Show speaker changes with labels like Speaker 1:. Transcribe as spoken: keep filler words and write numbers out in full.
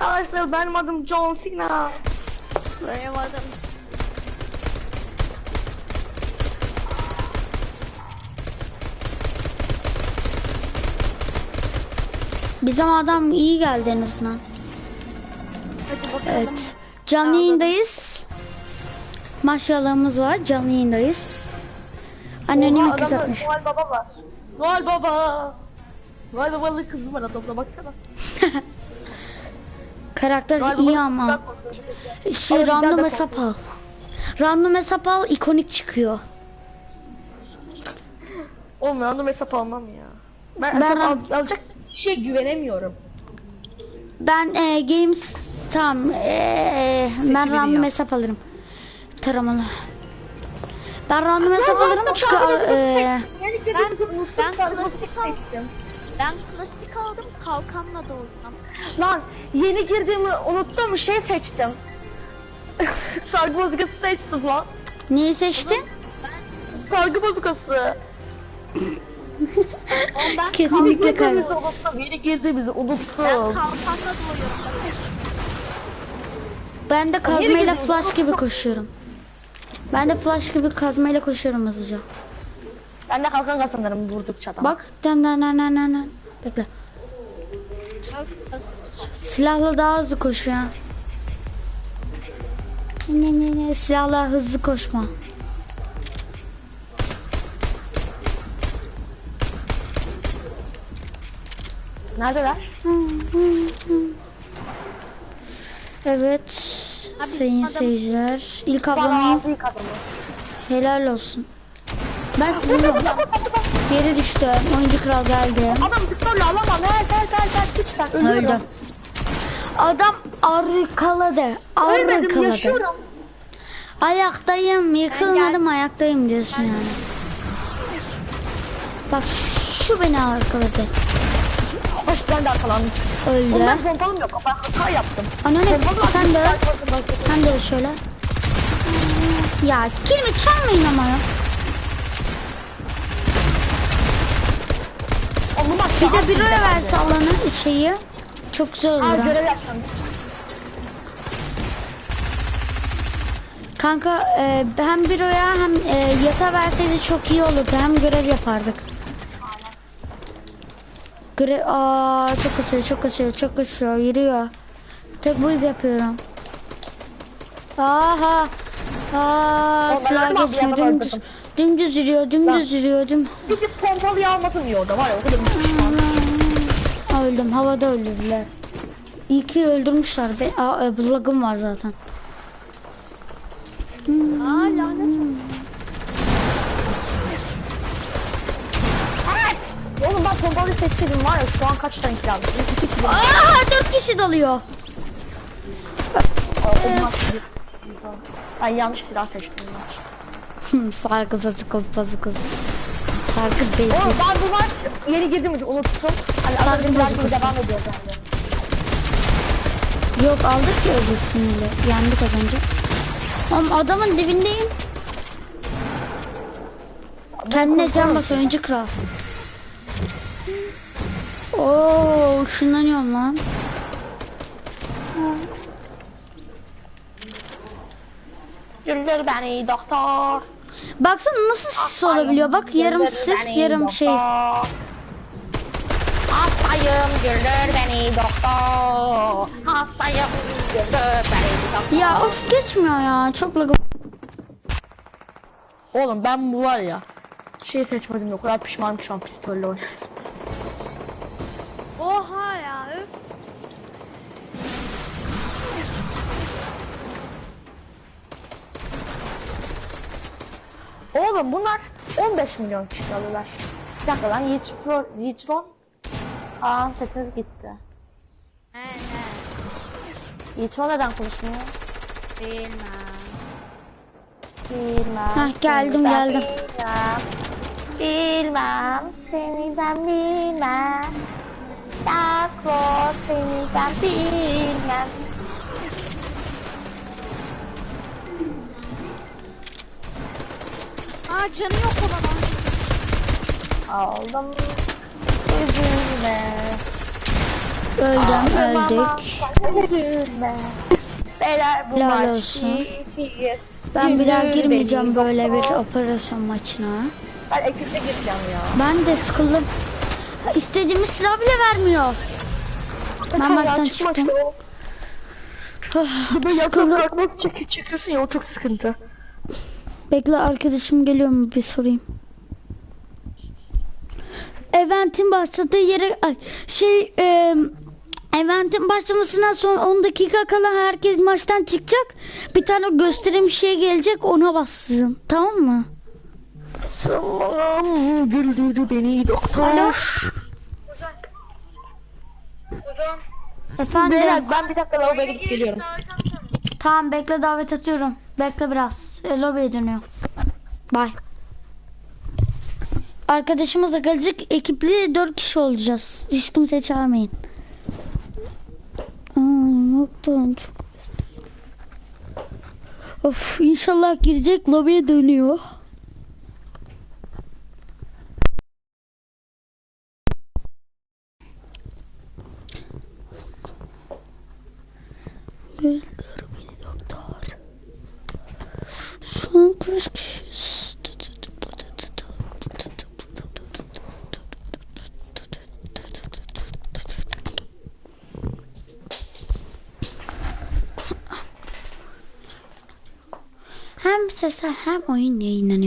Speaker 1: arkadaşlar, benim adım John Cena.
Speaker 2: Benim adım.
Speaker 3: Bizim adam iyi geldi en azından.
Speaker 2: Hadi bakalım.
Speaker 3: Evet. Canlı yayındayız. Maşallahımız var. Canlı yayındayız. Anonim kız atmış.
Speaker 1: Noel Baba var. Noel Baba. Noel Baba'lı kızım var adamda, baksana.
Speaker 3: Karakter
Speaker 1: Noel
Speaker 3: iyi
Speaker 1: Baba'nın
Speaker 3: ama.
Speaker 1: kızı
Speaker 3: Şey
Speaker 1: Ama
Speaker 3: random
Speaker 1: güzel de
Speaker 3: hesap al. Random hesap al, ikonik çıkıyor.
Speaker 1: Oğlum random hesap almam ya. Ben,
Speaker 3: Ben-
Speaker 1: hesap al, alacak kişiye güvenemiyorum.
Speaker 3: Ben e, games tamam. E, ben
Speaker 1: Seçimini
Speaker 3: random
Speaker 1: yap.
Speaker 3: hesap alırım. Taramalı. Ben random hesap alırım çünkü e,
Speaker 2: Ben- ben klasik
Speaker 1: seçtim.
Speaker 2: Ben klasik aldım, kalkanla doğacağım.
Speaker 1: Lan yeni girdiğimi unuttum, şey seçtim. Sargı bozukası seçtim lan.
Speaker 3: neyi seçtin?
Speaker 1: Sargı bozukası.
Speaker 2: Oğlum ben
Speaker 3: Kesinlikle
Speaker 2: kalkanla
Speaker 3: kay.
Speaker 2: doğuyorum.
Speaker 1: unuttum. Yeni girdiğimizi unuttum.
Speaker 2: Ben kalkanla doğuyorum.
Speaker 3: Ben de kazmayla
Speaker 1: gidiyorsun?
Speaker 3: flash gibi koşuyorum. Ben de flash gibi kazmayla koşuyorum hızlıca.
Speaker 1: Ben de kalkan kazanırım vurdukça da.
Speaker 3: Bak, den den den den den den. Bekle. Silahla daha hızlı koşuyor. Ne ne ne, silahla hızlı koşma.
Speaker 1: Neredeler?
Speaker 3: Evet, sayın
Speaker 2: adam-
Speaker 3: seyirciler. İlk
Speaker 1: Bana
Speaker 3: abone
Speaker 1: ağzı yıkadım.
Speaker 3: helal olsun. Ben sizi yere düştü. Oyuncu kral geldi.
Speaker 1: Adam tıklarla alamam. Gel gel gel gel lütfen. Ölüyorum.
Speaker 3: Öldü. Adam arkaladı.
Speaker 1: Ölmedim,
Speaker 3: Arkaladı.
Speaker 1: yaşıyorum.
Speaker 3: Ayaktayım, yıkılmadım, ayaktayım diyorsun yani. Bak şu beni arkaladı.
Speaker 1: Baştan da arkalandım.
Speaker 3: Öldü.
Speaker 1: Oğlum ben pompalım yok. Ben hata yaptım.
Speaker 3: Anne
Speaker 1: Pompalım
Speaker 3: sen de sen de şöyle. Ya kilimi çalmayın ama ya.
Speaker 1: Oğlum bak
Speaker 3: Bir de bir öyle verse alanı şeyi. Çok güzel olur
Speaker 1: Aa
Speaker 3: ha.
Speaker 1: görev yapacağım.
Speaker 3: Kanka e, hem büroya hem e, yata verseydi çok iyi olurdu. Hem görev yapardık. Görev aa çok kasıyor, çok kasıyor, çok kasıyor, yürüyor. Tek build yapıyorum. Aha. Aa
Speaker 1: Oğlum,
Speaker 3: silah
Speaker 1: ben öldüm abi,
Speaker 3: geçmiyor,
Speaker 1: yandan
Speaker 3: dümdüz.
Speaker 1: öldürdüm.
Speaker 3: Dümdüz yürüyor, dümdüz yürüyor, düm.
Speaker 1: Bir de pompalıyı almasın iyi orada var ya, o kadar pişman.
Speaker 3: Öldüm, havada öldürdüler. İyi ki öldürmüşler. Be aa, e, lagım var zaten.
Speaker 2: Aa lanet.
Speaker 1: Oğlum ben pompalıyı seçseydim var ya, şu an kaç tane kill aldım? İki kill aldım.
Speaker 3: Aa dört kişi dalıyor.
Speaker 1: Olmaz. Ben yanlış silah seçtim. ben.
Speaker 3: Sargı bazıkı bazıkı. Sargı bezi.
Speaker 1: Oğlum ben bu maç yeni girdiğimizi unuttum. Hani az önce
Speaker 3: Sargı
Speaker 1: biraz gibi
Speaker 3: bozukası.
Speaker 1: devam ediyor bende.
Speaker 3: Yok aldık ya öbürsünüyle. Yendik az önce. Oğlum adamın dibindeyim. Kendine can bas oyuncu kral. Oo ışınlanıyorum lan.
Speaker 1: Güldür beni doktor.
Speaker 3: Baksana nasıl sis olabiliyor. Bak yarım
Speaker 1: Güldür
Speaker 3: sis
Speaker 1: beni
Speaker 3: yarım
Speaker 1: doktor.
Speaker 3: şey.
Speaker 1: Hastayım güldür beni doktor. Hastayım güldür beni doktor.
Speaker 3: Ya of geçmiyor ya. Çok lagım.
Speaker 1: Oğlum ben bu var ya. Şey seçmedim, o kadar pişmanım ki şu an pistolle oynasın.
Speaker 2: Oha ya öf.
Speaker 1: Oğlum bunlar on beş milyon kişi alıyorlar. Bir dakika lan, Yiğitron, Yiğitron. Aa sesiniz gitti.
Speaker 2: He he.
Speaker 1: Yiğitron neden konuşmuyor?
Speaker 2: Bilmem.
Speaker 1: Bilmem.
Speaker 3: Hah, geldim,
Speaker 1: seni ben
Speaker 3: geldim.
Speaker 1: Bilmem. Bilmem seni ben bilmem. Yaklo seni ben bilmem.
Speaker 2: Aa canı yok olan.
Speaker 1: Aldım üzülme.
Speaker 3: Öldüm, öldük.
Speaker 1: Üzülme. Beyler bu
Speaker 3: Helal
Speaker 1: maç
Speaker 3: olsun.
Speaker 1: bitiyor.
Speaker 3: Ben bir daha
Speaker 1: Güldür
Speaker 3: girmeyeceğim
Speaker 1: beni
Speaker 3: böyle bir
Speaker 1: doktor.
Speaker 3: operasyon maçına.
Speaker 1: Ben ekipte gireceğim ya.
Speaker 3: Ben de sıkıldım. Ha, İstediğimiz silah bile vermiyor. Ben maçtan çıktım. Ah,
Speaker 1: Bir de yasak
Speaker 3: sıkıldım.
Speaker 1: bırakmak çek çekiyorsun ya, o çok sıkıntı.
Speaker 3: Bekle, arkadaşım geliyor mu bir sorayım. Eventin başladığı yere ay, şey e, eventin başlamasından sonra on dakika kala herkes maçtan çıkacak. Bir tane gösterim şey gelecek, ona bassın. Tamam mı?
Speaker 1: Salam güldürdü beni doktor.
Speaker 3: Alo. Efendim.
Speaker 1: Beyler ben bir dakika lavaboya gidip geliyorum.
Speaker 3: Tamam, bekle, davet atıyorum. Bekle biraz. E, lobiye dönüyor. Bye. Arkadaşımızla gelecek, ekipli dört kişi olacağız. Hiç kimseyi çağırmayın. Aa, noktan çok özledim. Of, inşallah girecek, lobiye dönüyor. Gönder beni doktor. Şu an kaç kişiyiz? Hem sesler hem oyun yayınlanıyor.